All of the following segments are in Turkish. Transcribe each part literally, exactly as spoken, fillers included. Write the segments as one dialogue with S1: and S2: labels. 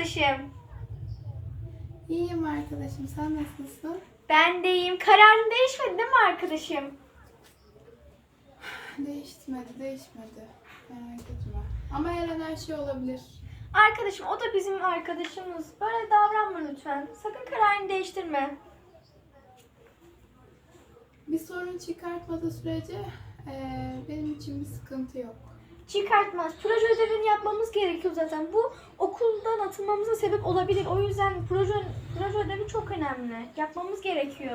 S1: arkadaşım?
S2: İyiyim arkadaşım. Sen nasılsın?
S1: Ben de iyiyim. Kararın değişmedi değil mi arkadaşım?
S2: Değişmedi, değişmedi. Merak etme. Ama her an her şey olabilir.
S1: Arkadaşım o da bizim arkadaşımız. Böyle davranma lütfen. Sakın kararını değiştirme.
S2: Bir sorun çıkartmadığı sürece eee, benim için bir sıkıntı yok.
S1: Çıkartmaz. Proje ödevini yapmamız gerekiyor zaten. Bu okuldan atılmamıza sebep olabilir. O yüzden proje, proje ödevi çok önemli. Yapmamız gerekiyor.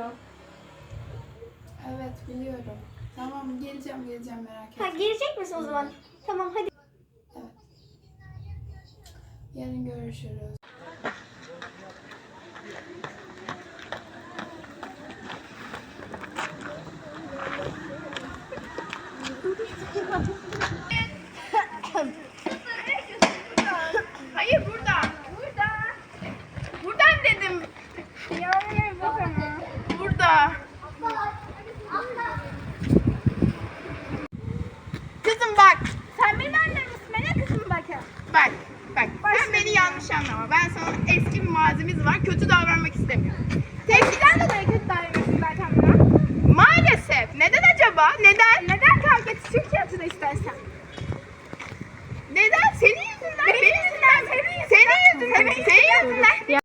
S2: Evet, biliyorum. Tamam, geleceğim, geleceğim, merak etme.
S1: Ha, gelecek misin o zaman? Tamam hadi.
S2: Evet. Yarın görüşürüz.
S3: Hayır burada. Burada. Buradan dedim. Yani bak ama. Burada. Kızım bak. Sen benim annem misin? Bana kızım bakın. Bak. Bak. Sen beni yanlış anlama. Ben sana eski bir mazimiz var. Kötü davranmak istemiyorum. Eskiden de kötü davranıyorsun zaten bana. Maalesef. Neden acaba? Neden? Neden kavga et? Türkiye istersen. Neden? Senin yüzünden. Benim yüzünden. Senin yüzünden. Senin yüzünden. Senin yüzünden.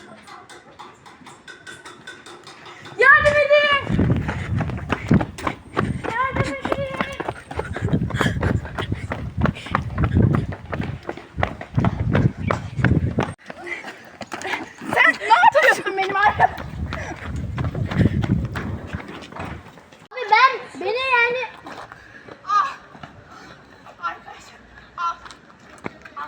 S3: Yardım edin. Yardım edin. Sen ne yapıyorsun benim arkamda?
S4: Abi ben beni yani
S3: Ah. Arkadaşlar. Al. Al.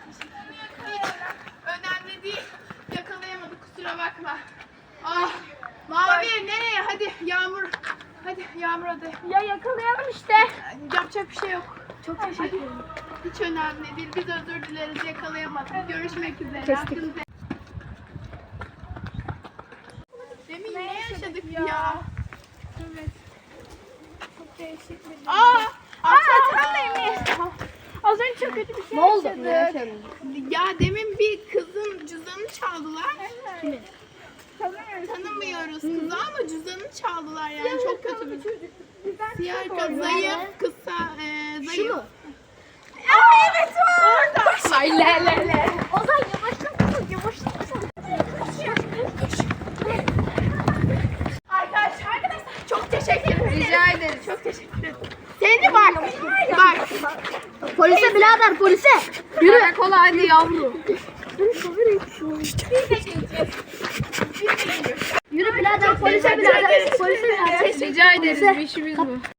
S3: Önemli değil. Yakalayamadık, kusura bakma. Ah. Mavi nereye? Hadi Yağmur. Hadi Yağmur hadi.
S4: ya yakalayalım işte.
S3: Yapacak bir şey yok. Çok teşekkür ederim. Hiç önemli değil. Biz özür dileriz. Yakalayamadık. Görüşmek üzere. Hakkınızı- Demin ne yaşadık ya? Evet. Çok değişik bir Aa! Aa! Sen de mi? Az önce çok kötü bir şey
S4: Ne oldu?
S3: yaşadık.
S4: Ne yaşadın?
S3: Ya demin bir kızın cüzdanını çaldılar.
S4: Kimin?
S3: Tanımıyoruz kızı ama cüzdanını çaldılar yani çok kötü bir çocuk. Siyah kız, zayıf, kısa, e, zayıf.
S4: Şu mu?
S3: Aa evet o. Orada.
S4: Ay le le le. Ozan yavaşla yavaşla.
S3: Arkadaşlar, arkadaşlar çok teşekkür ederim. Rica ederim. Çok teşekkür ederim. Seni bak. Bak.
S4: Polise birader polise. Yürü. Karakola hadi yavrum. Yürü birader polise birader. Polise birader.
S3: Rica ederiz. Bir işimiz bu.